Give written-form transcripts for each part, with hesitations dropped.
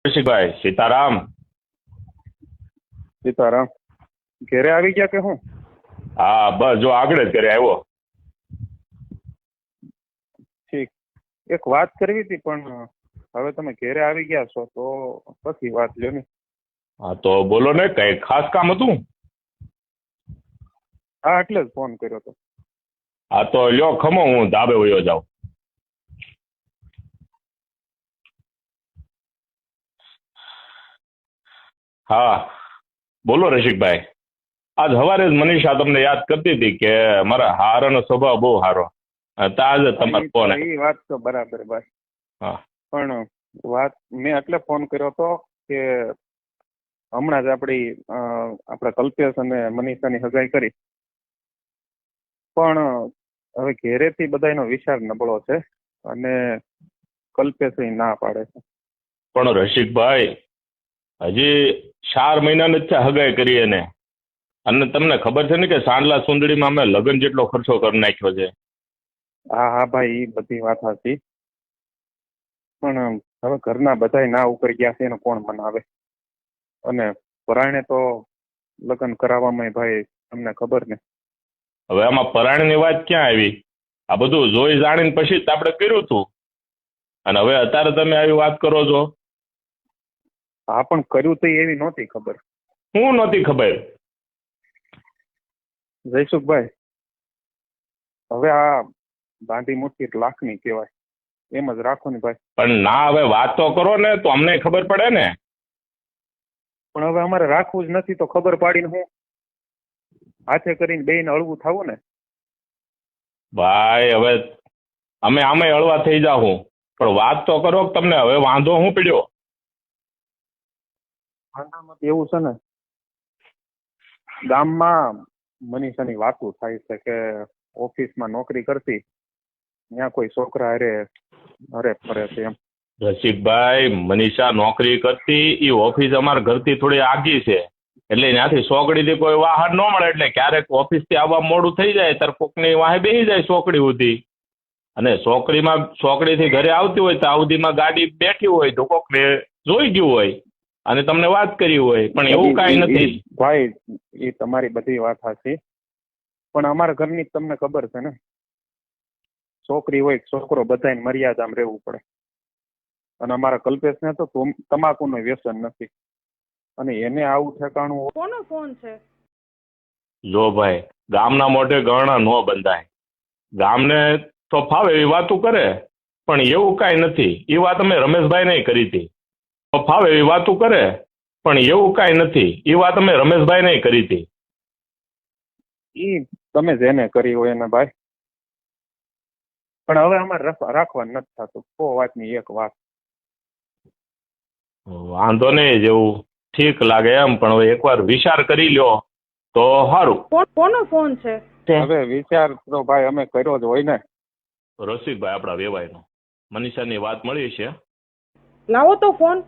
શિભાઈ સીતારામ. સીતારામ. ઘેરે આવી ગયા કે હું? હા બસ જો આગળ જ ઘરે આવ્યો. ઠીક. એક વાત કરવી હતી પણ હવે તમે ઘેરે આવી ગયા છો તો પછી વાત લ્યો ને. હા તો બોલો ને, કઈ ખાસ કામ હતું? હા એટલે જ ફોન કર્યો હતો. હા તો લ્યો ખમો, હું ધાબે વયો જાઉં. હા બોલો રસિકભાઈ. આજ સવારે જ મનીષા તમને યાદ કરતી હતી કે મારા હારાનો સ્વભાવ બહુ સારો. તાજ તમારો ફોન. એ વાત તો બરાબર ભાઈ. હા પણ વાત મેં એટલે ફોન કર્યો હતો કે હમણાં જ આપણા કલ્પેશ અને મનીષાની સગાઈ કરી, પણ હવે ઘેરેથી બધાનો વિચાર નબળો છે અને કલ્પેશ ના પાડે છે. પણ રસિકભાઈ હજી 4 મહિના જ છે હગાઈ કરી એને, અને તમને ખબર છે ને કે સાંડલા સુંદડીમાં અમે લગ્ન જેટલો ખર્ચો કરી નાખ્યો છે. હા હા ભાઈ, એ બધી વાત હતી, પણ હવે ઘરના બધા ના ઉપર ગયા છે એને કોણ મનાવે? અને પરાયણે તો લગ્ન કરાવવામાં ભાઈ તમને ખબર ને. હવે આમાં પરાણીની વાત ક્યાં આવી? આ બધું જોઈ જાણીને પછી જ આપણે કર્યું હતું, અને હવે અત્યારે તમે આવી વાત કરો છો. હા પણ કર્યું તો એવી નહોતી ખબર. હું નહોતી ખબર? જયસુખભાઈ, હવે આ બાંધી મુઠ્ઠી 1 લાખની કહેવાય, એમ જ રાખો ને ભાઈ. પણ ના, હવે વાત તો કરો ને તો અમને ખબર પડે ને. પણ હવે અમારે રાખવું જ નથી તો ખબર પાડીને હું હાથે કરીને બેયને હળવું થવું ને. ભાઈ હવે અમે આમે હળવા થઈ જાઉં, પણ વાત તો કરો. તમને હવે વાંધો શું પડ્યો? એવું છે ને, ગામમાં મનીષાની વાતો થાય છે કે ઓફિસમાં નોકરી કરતી ત્યાં કોઈ છોકરા અરે ફરે છે એમ. રસિકભાઈ, મનીષા નોકરી કરતી એ ઓફિસ અમારા ઘરથી થોડી આગી છે, એટલે ત્યાંથી ચોકડીથી કોઈ વાહન ન મળે, એટલે ક્યારેક ઓફિસથી આવવા મોડું થઈ જાય ત્યારે કોકની વાહે બેસી જાય ચોકડી સુધી, અને ચોકડીથી ઘરે આવતી હોય તો આવતીમાં ગાડી બેઠી હોય તો કોકને જોઈ ગયું હોય અને તમને વાત કરી હોય, પણ એવું કાંઈ નથી. ભાઈ એ તમારી બધી વાત સાચી, પણ અમારા ઘરની તમને ખબર છે ને, છોકરી હોય છોકરો બધાને મર્યાદામાં રહેવું પડે. અને અમારા કલ્પેશને તો તમાકુનું વ્યસન નથી, અને એને આવું ઠેકાણું. કોનો ફોન છે? જો ભાઈ, ગામના મોઢે ગરણા ન બંધાય. ગામને તો ફાવે એવી વાતો કરે, પણ એવું કાંઈ નથી. એ વાત અમે રમેશભાઈને કરી હતી. તો ફાવે એવી વાતો કરે, પણ એવું કાંઈ નથી. એ વાત અમે રમેશભાઈને કરી હતી. ઈ તમે જેને કરી હોય એને ભાઈ, પણ હવે અમારે રાખવાનું નથી થતું. વાતની એક વાત. વાંધો નહીં, જેવું ઠીક લાગે એમ, પણ હવે એકવાર વિચાર કરી લ્યો તો સારું. કોનો ફોન છે? હવે વિચાર તો ભાઈ અમે કર્યો જ હોય ને. રસિકભાઈ આપણા વેવાયનો. મનીષાની વાત મળી છે. લાવો તો ફોન.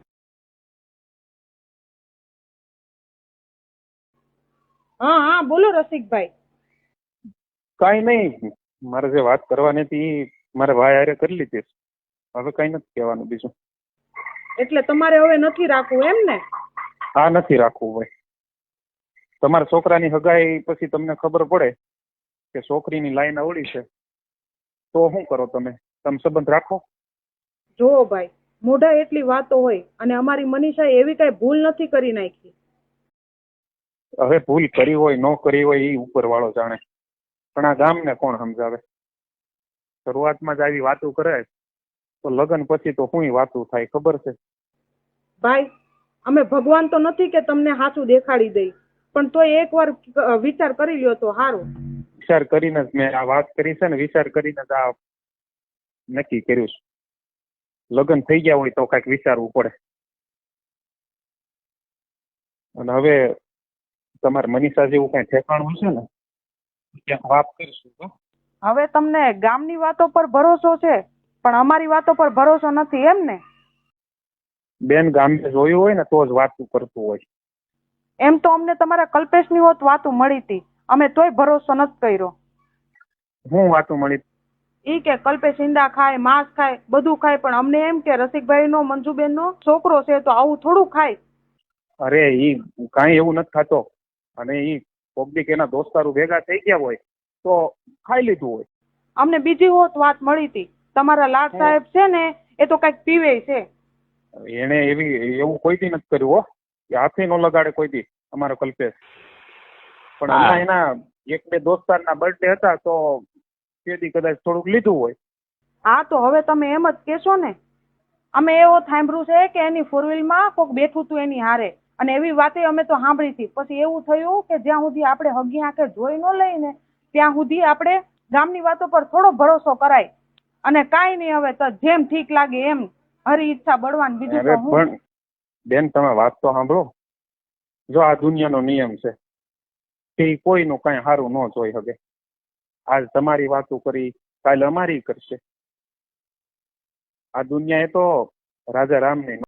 હા હા બોલો રસિકભાઈ. કઈ નહીં, મારે જે વાત કરવાની હતી મારે ભાઈ હારે કરી લીધી. હવે કઈ નથી કહેવાનું બીજું. એટલે તમારે હવે નથી રાખવું એમ ને? હા નથી રાખવું ભાઈ. તમારા છોકરાની હગાઈ પછી તમને ખબર પડે કે છોકરીની લાઈન અવળી છે તો શું કરો તમે સંબંધ રાખો? જુઓ ભાઈ, મોઢા એટલી વાતો હોય, અને અમારી મનીષા એવી કઈ ભૂલ નથી કરી નાખી. હવે ભૂલ કરી હોય ન કરી હોય એ ઉપર વાળો જાણે, પણ આ ગામને કોણ સમજાવે? શરૂઆતમાં જ આવી વાતો કરે તો લગ્ન પછી તો શું વાતો થાય ખબર છે? ભાઈ, અમે ભગવાન તો નથી કે તમને સાચું દેખાડી દઈ, પણ તોય એકવાર વિચાર કરી લ્યો તો સારું. વિચાર કરીને જ મેં આ વાત કરી છે ને, વિચાર કરીને જ આ નક્કી કર્યું છે. લગ્ન થઈ ગયા હોય તો કઈક વિચારવું પડે. અને હવે તમારે મનીષા જેવું કઈ ઠેકાણું હશે ને ક્યાંક વાત કરીશું. હવે તમને ગામની વાતો પર ભરોસો છે, પણ અમારી વાતો પર ભરોસો નથી એમ ને? બેન, ગામે જોયું હોય ને તો જ વાતું કરતું હોય. એમ તો અમને તમારા કલ્પેશની હોત વાતું મળી હતી, અમે તોય ભરોસો નથી કર્યો. હું વાતું મળી? ઈ કે કલ્પેશ ઈંડા ખાય, માંસ ખાય, બધું ખાય, પણ અમને એમ કે રસિકભાઈ નો, મંજુબેન નો છોકરો છે તો આવું થોડું ખાય. અરે ઈ કાંઈ એવું નથી ખાતો, અને ઈ પબ્લિક એના દોસ્તારો ભેગા થઈ ગયા હોય તો ખાઈ લીધું હોય. અમને બીજી વાત મળી હતી, તમારા લાડ સાહેબ છે ને એ તો કઈક પીવે છે. એને એવું કોઈ દી નથી કર્યું હો, કે હાથે નો લગાડે કોઈ દી અમારો કલ્પેશ. પણ હમણાં એના એક બે દોસ્તારના બર્થડે હતા તો તેથી કદાચ થોડુંક લીધું હોય. હા તો હવે તમે એમ જ કેશો ને. અમે એવો સાંભળ્યું છે કે એની ફોરવ્હીલમાં કોક બેઠું હતું એની હારે, અને એવી વાતે અમે તો સાંભળી હતી. પછી એવું થયું કે જ્યાં સુધી આપણે હગી આંખે જોઈ ન લઈને ત્યાં સુધી આપણે ગામની વાતો પર થોડો ભરોસો કરાય. અને કાંઈ નહીં, હવે તો જેમ ઠીક લાગે એમ, હરી ઈચ્છા બળવાન, બીજું તો હું. પણ બેન તમે વાત તો સાંભળો, જો આ દુનિયાનો નિયમ છે કે કોઈનું કઈ સારું ન જોઈ શકે. આજ તમારી વાતો કરી, કાલે અમારી કરશે. આ દુનિયા એ તો રાજા રામની